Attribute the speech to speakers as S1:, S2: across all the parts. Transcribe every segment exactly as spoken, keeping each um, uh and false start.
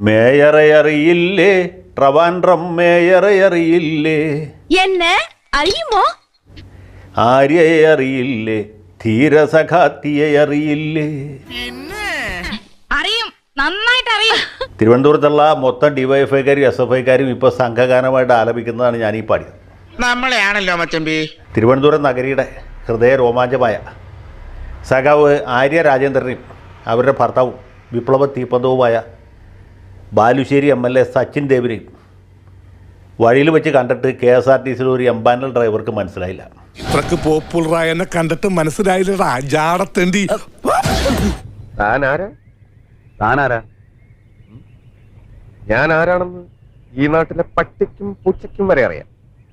S1: മേയറെ അറിയില്ലേ, ട്രിവാൻഡ്രം മേയറെ അറിയില്ലേ,
S2: എന്നെ അറിയുമോ?
S1: ആര്യയെ അറിയില്ലേ, ധീരസഖാത്തിയെ അറിയില്ലേ?
S2: അറിയും, നന്നായിട്ട് അറിയും.
S1: തിരുവനന്തപുരത്തുള്ള മൊത്തം ഡിവൈഎഫ്ഐക്കാരും എസ് എഫ് ഐക്കാരും ഇപ്പോൾ സംഘഗാനമായിട്ട് ആലപിക്കുന്നതാണ് ഞാൻ ഈ പാടിയത്.
S3: നമ്മളെയാണല്ലോ മച്ചമ്പി.
S1: തിരുവനന്തപുരം നഗരിയുടെ ഹൃദയ രോമാഞ്ചമായ സഖാവ് ആര്യ രാജേന്ദ്രനെയും അവരുടെ ഭർത്താവും വിപ്ലവ തീപ്പന്തവുമായ Balussery M L A Sachin ദേവിനെയും വഴിയിൽ വെച്ച് കണ്ടിട്ട് കെ എസ് ആർ ടി സിയിൽ ഒരു എംപാനൽ ഡ്രൈവർക്ക് മനസ്സിലായില്ല.
S4: ഇത്രക്ക് പോപ്പുലറായെന്നെ കണ്ടിട്ട് മനസ്സിലായില്ലടാ ജാടത്തേണ്ടി.
S5: താനാരാ താനാരാ ഞാൻ ആരാണെന്ന് ഈ നാട്ടിലെ പട്ടിക്കും പൂച്ചയ്ക്കും വരെ അറിയാം.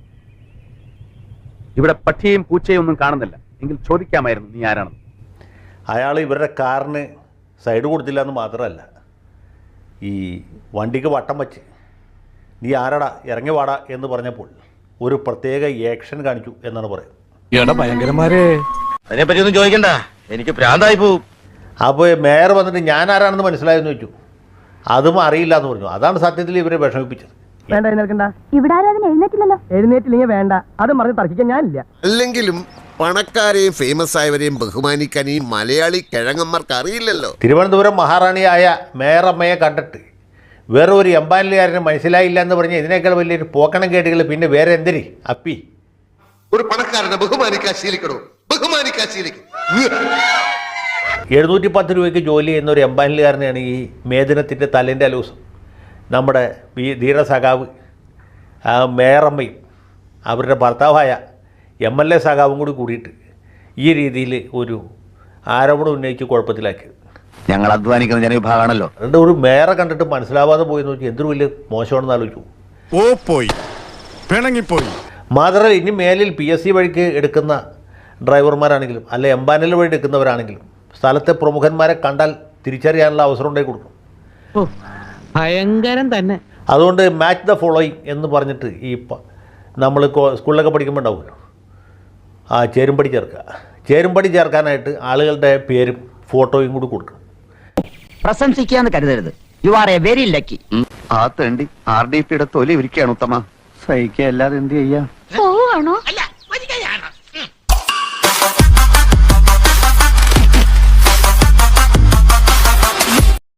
S6: ഇവിടെ പട്ടിയും പൂച്ചയും ഒന്നും കാണുന്നില്ല, എങ്കിൽ ചോദിക്കാമായിരുന്നു നീ ആരാണെന്ന്.
S1: അയാൾ ഇവരുടെ കാറിന് സൈഡ് കൊടുത്തില്ല എന്ന് മാത്രമല്ല, ഈ വണ്ടിക്ക് വട്ടം വച്ച് നീ ആരാടാ ഇറങ്ങി വാടാ എന്ന് പറഞ്ഞപ്പോൾ ഒരു പ്രത്യേക ആക്ഷൻ കാണിച്ചു എന്നാണ് പറയുന്നത്.
S4: ഭയങ്കരന്മാരെ
S3: അതിനെപ്പറ്റി ഒന്നും ചോദിക്കണ്ട, എനിക്ക് ഭ്രാന്തായി പോവും.
S1: അപ്പോൾ മേയർ വന്നിട്ട് ഞാൻ ആരാണെന്ന് മനസ്സിലായെന്ന് ചോദിച്ചു. അതും അറിയില്ല എന്ന് പറഞ്ഞു. അതാണ് സത്യത്തിൽ ഇവരെ വിഷമിപ്പിച്ചത്.
S7: വേണ്ട എഴുന്നേൽക്കണ്ട,
S2: ഇവിടെ ആരും എഴുന്നേറ്റില്ലല്ലോ.
S7: എഴുന്നേറ്റില്ലെങ്കിൽ വേണ്ട, അത് പറഞ്ഞ് തർക്കിക്കാൻ ഞാനില്ല.
S8: അല്ലെങ്കിലും പണക്കാരെയും ഫേമസ് ആയവരെയും ബഹുമാനിക്കാൻ ഈ മലയാളി കിഴങ്ങന്മാർക്ക് അറിയില്ലല്ലോ.
S1: തിരുവനന്തപുരം മഹാറാണിയായ മേയറമ്മയെ കണ്ടിട്ട് വേറെ ഒരു എംപാനലുകാരന് മനസ്സിലായില്ല എന്ന് പറഞ്ഞ് ഇതിനേക്കാൾ വലിയൊരു പോക്കണം കേട്ടുകൾ പിന്നെ വേറെ എന്തിരി അപ്പി.
S8: ഒരു പണക്കാരനെ ബഹുമാനിക്കാൻ ശീലിക്കണോ? ബഹുമാനിക്കാൻ ശീലിക്കും.
S1: എഴുന്നൂറ്റി പത്ത് രൂപയ്ക്ക് ജോലി ചെയ്യുന്ന ഒരു എംപാനലുകാരനെയാണ് ഈ മേദിനത്തിൻ്റെ തലേൻ്റെ അലൂസം നമ്മുടെ ഈ ധീരസഖാവ് ആ മേയറമ്മയും അവരുടെ ഭർത്താവായ എം എൽ എ സഖാവും കൂടി കൂടിയിട്ട് ഈ രീതിയിൽ ഒരു ആരോപണം ഉന്നയിച്ച് കുഴപ്പത്തിലാക്കിയത്.
S6: ഞങ്ങൾ അധ്വാനിക്കുന്ന ജനവിഭാഗമാണല്ലോ.
S1: അതുകൊണ്ട് ഒരു മേയറെ കണ്ടിട്ട് മനസ്സിലാവാതെ പോയെന്ന് വെച്ചാൽ എന്തൊരു വലിയ മോശമാണെന്ന് ആലോചിച്ചു.
S4: ഓ പോയി പിണങ്ങിപ്പോയി.
S1: മാത്രമല്ല ഇനി മേലിൽ പി എസ് സി വഴിക്ക് എടുക്കുന്ന ഡ്രൈവർമാരാണെങ്കിലും അല്ല എംപാനൽ വഴി എടുക്കുന്നവരാണെങ്കിലും സ്ഥലത്തെ പ്രമുഖന്മാരെ കണ്ടാൽ തിരിച്ചറിയാനുള്ള അവസരം ഉണ്ടായി കൊടുക്കും.
S7: ഭയങ്കരം തന്നെ.
S1: അതുകൊണ്ട് മാച്ച് ദ ഫോളോയിങ് എന്ന് പറഞ്ഞിട്ട് ഈ നമ്മൾ സ്കൂളിലൊക്കെ പഠിക്കുമ്പോൾ ഉണ്ടാവുമല്ലോ, ആ ചേരുംപടി ചേർക്കുക. ചേരുംപടി ചേർക്കാനായിട്ട് ആളുകളുടെ പേരും ഫോട്ടോയും കൂടി കൊടുക്കണം.
S7: പ്രശംസിക്കാന്ന് കരുതരുത്. You are a very lucky.
S6: ആ തേണ്ടി ആർ ഡി പിയുടെ തൊലി ഇരിക്കുകയാണ് ഉത്തമ. സഹിക്കുക അല്ലാതെ എന്ത് ചെയ്യാ?
S2: പോവാണോ?
S3: അല്ല